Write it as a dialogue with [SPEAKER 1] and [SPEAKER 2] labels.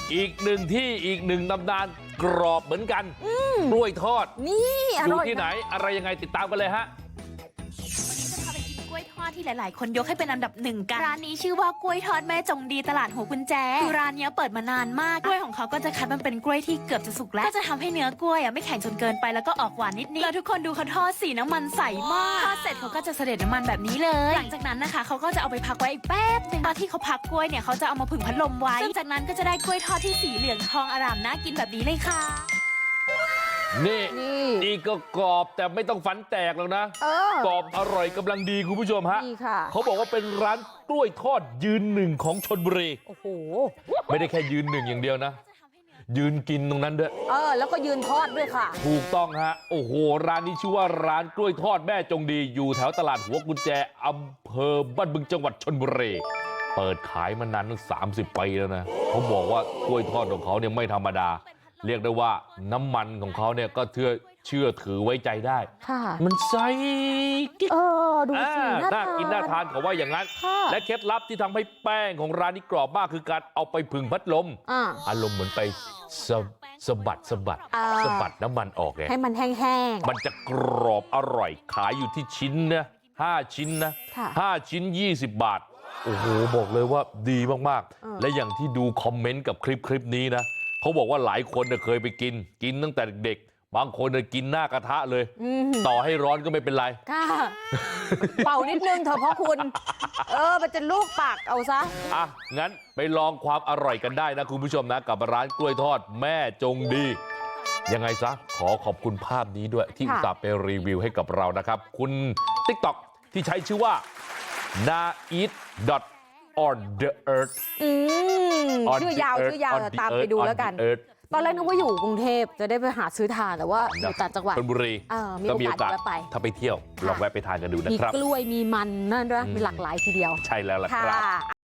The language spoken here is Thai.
[SPEAKER 1] อีกหนึ่งที่อีกหนึ่งตำนานกรอบเหมือนกันกล้วยทอด
[SPEAKER 2] นี่อ
[SPEAKER 1] อยู่
[SPEAKER 2] ร่อย
[SPEAKER 1] ที่ไหนอะไรยังไงติดตามกันเลยฮะ
[SPEAKER 3] จะพาไปกินกล้วยทอดที่หลาย ๆ คนยกให้เป็นอันดับหนึ่งกันร้านนี้ชื่อว่ากล้วยทอดแม่จงดีตลาดหัวกุญแจคือร้านนี้เปิดมานานมากกล้วยของเขาก็จะคัดมันเป็นกล้วยที่เกือบจะสุกแล้วก็จะทำให้เนื้อกล้วยไม่แข็งจนเกินไปแล้วก็ออกหวานนิดๆแล้วทุกคนดูเขาทอดสีน้ำมันใสมากทอดเสร็จเขาก็จะเสด็จน้ำมันแบบนี้เลยหลังจากนั้นนะคะเขาก็จะเอาไปพักไว้อีกแป๊บนึงตอนที่เขาพักกล้วยเนี่ยเขาจะเอามาผึ่งพัดลมไว้ซึ่งจากนั้นก็จะได้กล้วยทอดที่สีเหลืองทองอร่ามน่ากินแบบนี้เลยค่ะ
[SPEAKER 1] นี่นี่ก็กรอบแต่ไม่ต้องฟันแตกแล้วนะกรอบอร่อยกำลังดีคุณผู้ชมฮะเขาบอกว่าเป็นร้านกล้วยทอดยืนหนึ่งของชลบุรีโอ้โหไม่ได้แค่ยืนหนึ่งอย่างเดียวนะยืนกินตรงนั้นด้วย
[SPEAKER 2] แล้วก็ยืนทอดด้วยค่ะ
[SPEAKER 1] ถูกต้องฮะโอ้โหร้านนี้ชื่อว่าร้านกล้วยทอดแม่จงดีอยู่แถวตลาดหัวกุญแจอำเภอบ้านบึงจังหวัดชลบุรีเปิดขายมานานตั้ง30 ปีแล้วนะเขาบอกว่ากล้วยทอดของเขาเนี่ยไม่ธรรมดาเรียกได้ว่าน้ำมันของเขาเนี่ยก็เชื่อถือไว้ใจได้มันใสกิ๊ก
[SPEAKER 2] ดูสิ
[SPEAKER 1] น่ากินน่าทานเขาว่าอย่างนั้นและเคล็ดลับที่ทำให้แป้งของร้านนี้กรอบมากคือการเอาไปผึ่งพัดลมอารมณ์เหมือนไปสะบัดน้ำมันออกไง
[SPEAKER 2] ให้มันแห้ง
[SPEAKER 1] ๆมันจะกรอบอร่อยขายอยู่ที่ชิ้นนะ5 ชิ้นนะ5 ชิ้น20 บาทโอ้โหบอกเลยว่าดีมากๆและอย่างที่ดูคอมเมนต์กับคลิปนี้นะเขาบอกว่าหลายคนเคยไปกินตั้งแต่เด็กๆบางคนกินหน้ากระทะเลยต่อให้ร้อนก็ไม่เป็นไร
[SPEAKER 2] เป่านิดนึงเถอะเพราะคุณมันจะลูกปากเอาซะ
[SPEAKER 1] งั้นไปลองความอร่อยกันได้นะคุณผู้ชมนะกับร้านกล้วยทอดแม่จงดียังไงซะขอขอบคุณภาพนี้ด้วยที่อุตส่าห์ไปรีวิวให้กับเรานะครับคุณ TikTok ที่ใช้ชื่อว่า naeat.on the earth
[SPEAKER 2] ชื่อยาวตามไปดูแล้วกันตอนแรกนึกว่าอยู่กรุงเทพจะได้ไปหาซื้อทานแต่ว่าอยู่ต่างจังหวัด
[SPEAKER 1] ชลบุรี
[SPEAKER 2] ก็มีโอกาสไป
[SPEAKER 1] ถ้าไปเที่ยวลองแวะไปทานกันดูนะครับ
[SPEAKER 2] มีกล้วยมีมันนั่นด้วยมีหลากหลายทีเดียว
[SPEAKER 1] ใช่แล้วล่ะครับ